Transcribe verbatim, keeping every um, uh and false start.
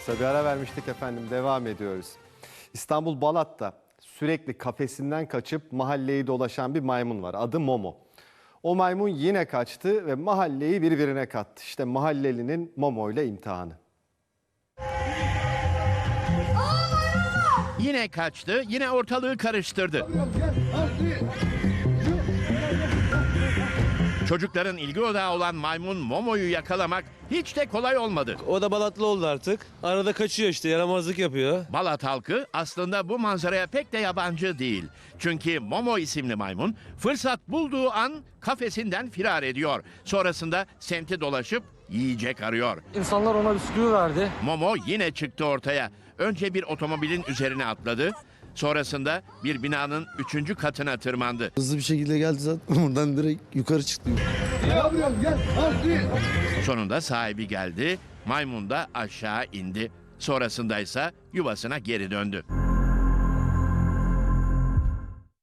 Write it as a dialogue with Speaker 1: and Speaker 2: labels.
Speaker 1: Kısa bir ara vermiştik efendim, devam ediyoruz. İstanbul Balat'ta sürekli kafesinden kaçıp mahalleyi dolaşan bir maymun var. Adı Momo. O maymun yine kaçtı ve mahalleyi birbirine kattı. İşte mahallelinin Momo ile imtihanı.
Speaker 2: Yine kaçtı, yine ortalığı karıştırdı. Çocukların ilgi odağı olan maymun Momo'yu yakalamak hiç de kolay olmadı.
Speaker 3: O da Balatlı oldu artık. Arada kaçıyor işte, yaramazlık yapıyor.
Speaker 2: Balat halkı aslında bu manzaraya pek de yabancı değil. Çünkü Momo isimli maymun fırsat bulduğu an kafesinden firar ediyor. Sonrasında semti dolaşıp yiyecek arıyor.
Speaker 4: İnsanlar ona bisküvi verdi.
Speaker 2: Momo yine çıktı ortaya. Önce bir otomobilin üzerine atladı. Sonrasında bir binanın üçüncü katına tırmandı.
Speaker 5: Hızlı bir şekilde geldi zaten, buradan direkt yukarı çıktı.
Speaker 2: Sonunda sahibi geldi, maymun da aşağı indi. Sonrasında ise yuvasına geri döndü.